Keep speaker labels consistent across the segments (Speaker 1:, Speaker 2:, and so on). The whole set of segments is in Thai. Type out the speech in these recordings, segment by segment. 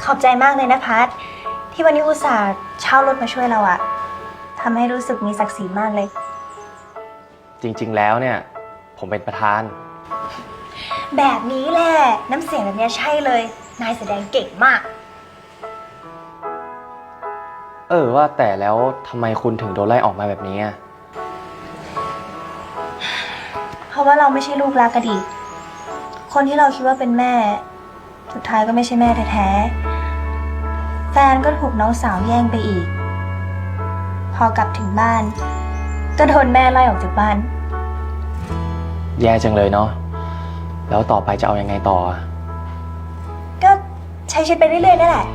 Speaker 1: อบใจมากเลยนะพัทที่วันนี้อุตส่าห์เช่ารถมาช่วยเราอะทำให้รู้สึกมีศักดิ์ศรีมากเลย
Speaker 2: จริงๆแล้วเนี่ยผมเป็นประธาน
Speaker 1: แบบนี้แหละน้ำเสียงแบบนี้ใช่เลยนายแสดงเก่งมาก
Speaker 2: ว่าแต่แล้วทำไมคุณถึงโดนไล่ออกมาแบบนี้อะ
Speaker 1: เพราะว่าเราไม่ใช่ลูกรักกันดีคนที่เราคิดว่าเป็นแม่ สุดท้ายก็ไม่ใช่แม่แท้ๆแฟนก็ถูกน้องสาวแย่งไปอีก พอกลับถึงบ้านก็โดนแม่ไล่ออกจากบ้าน
Speaker 2: แย่จังเลยเนาะแล้วต่อไปจะเอายังไงต่ออะ
Speaker 1: ก็ใช้ชีวิตไปเรื่อยๆนั่นแหละ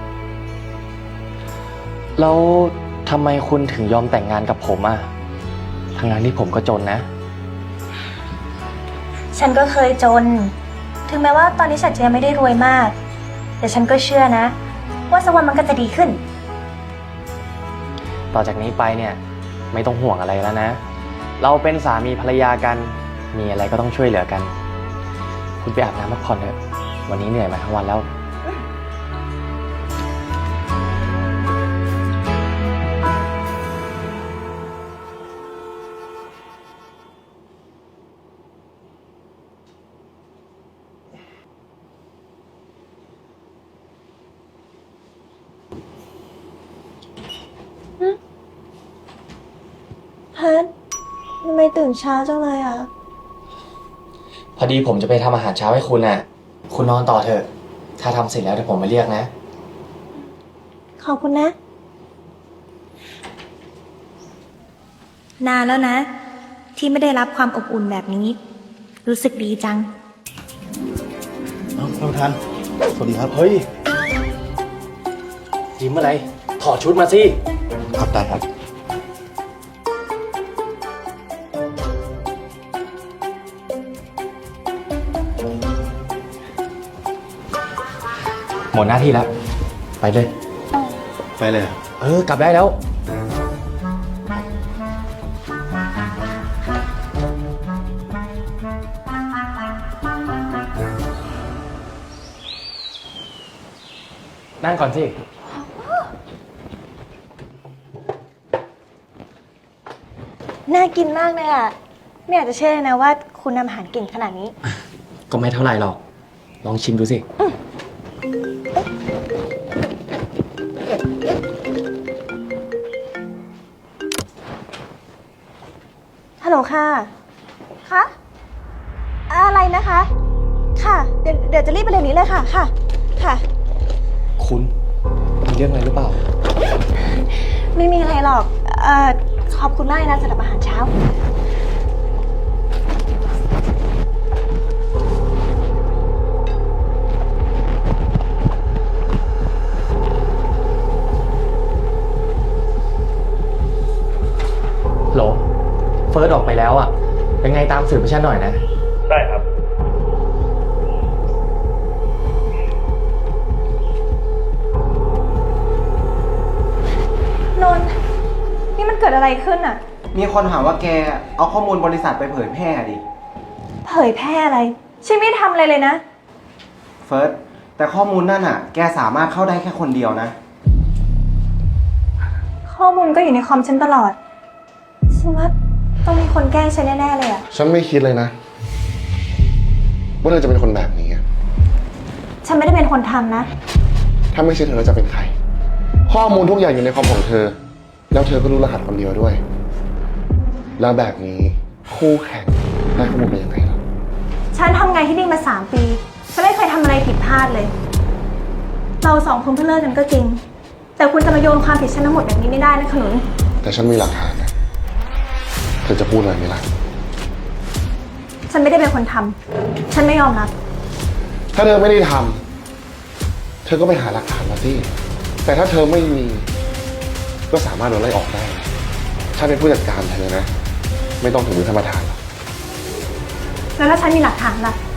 Speaker 2: แล้วทำไมคุณถึงยอมแต่งงานกับผมอะทั้งนั้นที่ผมก็จนนะ
Speaker 1: ฉันก็เคยจน ถึงแม้ว่าตอนนี้ฉันจะยังไม่ได้รวยมาก แต่ฉันก็เชื่อนะ ว่าสักวันมันก็จะดีขึ้น
Speaker 2: ต่อจากนี้ไปเนี่ยไม่ต้องห่วงอะไรแล้วนะ เราเป็นสามีภรรยากันมีอะไรก็ต้องช่วยเหลือกัน คุณไปอาบน้ำพักผ่อนเถอะวันนี้เหนื่อยมาทั้งวันแล้ว
Speaker 1: พัททำไมตื่นเช้าจังเลยอ่ะ
Speaker 2: พอดีผมจะไปทำอาหารเช้าให้คุณน่ะคุณนอนต่อเถอะถ้าทำเสร็จแล้วเดี๋ยวผมมาเรียกนะ
Speaker 1: ขอบคุณนะ นานแล้วนะ ที่ไม่ได้รับความอบอุ่นแบบนี้ รู้สึกดีจัง
Speaker 3: ท่านประธานสวัสดีครับ
Speaker 2: เฮ้ยยิ้มอะไรถอดชุดมาสิ
Speaker 3: ครับได้ครับ
Speaker 2: หมดหน้าที่แล้วไปเลย
Speaker 3: ไปเลยครับ
Speaker 2: กลับได้แล้วนั่งก่อนสิ
Speaker 1: น่ากินมากเลยอ่ะ ไม่อยากจะเชื่อเลยนะว่าคุณทำอาหารเก่งขนาดนี้
Speaker 2: ก็ไม่เท่าไหร่หรอกลองชิมดูสิ
Speaker 1: ฮัลโหลค่ะ คะอะไรนะคะ ค่ะ เดี๋ยวจะรีบไปเร็วนี้เลยค่ะ ค่ะ ค่ะ
Speaker 2: คุณมีเรื่องอะไรหรือเปล่า
Speaker 1: ไม่มีอะไรหรอก ขอบคุณมากนะสำหรับอาหารเช้า
Speaker 2: โหลเฟิร์สออกไปแล้วอ่ะ เป็นไงตามสืบให้ฉันหน่อยนะ
Speaker 3: ได้ครับ
Speaker 1: นนท์นี่มันเกิดอะไรขึ้นอ่ะ
Speaker 4: มีคนหาว่าแกเอาข้อมูลบริษัทไปเผยแพร่ดิ
Speaker 1: เผยแพร่อะไร ฉันไม่ได้ทำอะไรเลยนะ
Speaker 4: เฟิร์สแต่ข้อมูลนั่นอ่ะ แกสามารถเข้าได้แค่คนเดียวนะ
Speaker 1: ข้อมูลก็อยู่ในคอมฉันตลอด ฉันว่าต้องมีคนแกล้งฉันแน่ๆเลยอ่ะ
Speaker 5: ฉันไม่คิดเลยนะ ว่าเธอจะเป็นคนแบบนี้อะ
Speaker 1: ฉันไม่ได้เป็นคนทำนะ
Speaker 5: ถ้าไม่ใช่เธอแล้วจะเป็นใคร ข้อมูลทุกอย่างอยู่ในคอมของเธอ แล้วเธอก็รู้รหัสคนเดียวด้วย แล้วแบบนี้คู่แข่งได้ข้อมูลไปยังไงล่ะ
Speaker 1: ฉันทำงานที่นี่มา3 ปี ฉันไม่เคยทำอะไรผิดพลาดเลย เรา2 คนเพิ่งเลิกกันก็จริง แต่คุณจะมาโยนความผิดฉันทั้งหมดแบบนี้ไม่ได้นะขนุน
Speaker 5: แต่ฉันมีหลักฐานนะ เธอจะพูดอะไรไหมล่ะ
Speaker 1: ฉันไม่ได้เป็นคนทำ ฉันไม่ยอมรับ
Speaker 5: ถ้าเธอไม่ได้ทำเธอก็ไปหาหลักฐานมาสิ แต่ถ้าเธอไม่มี ก็สามารถโดนไล่ออกได้นะฉันเป็นผู้จัดการเธอนะ ไม่ต้องถึงมือท่านประธานหรอก
Speaker 1: แล้วถ้าฉันมีหลักฐานล่ะ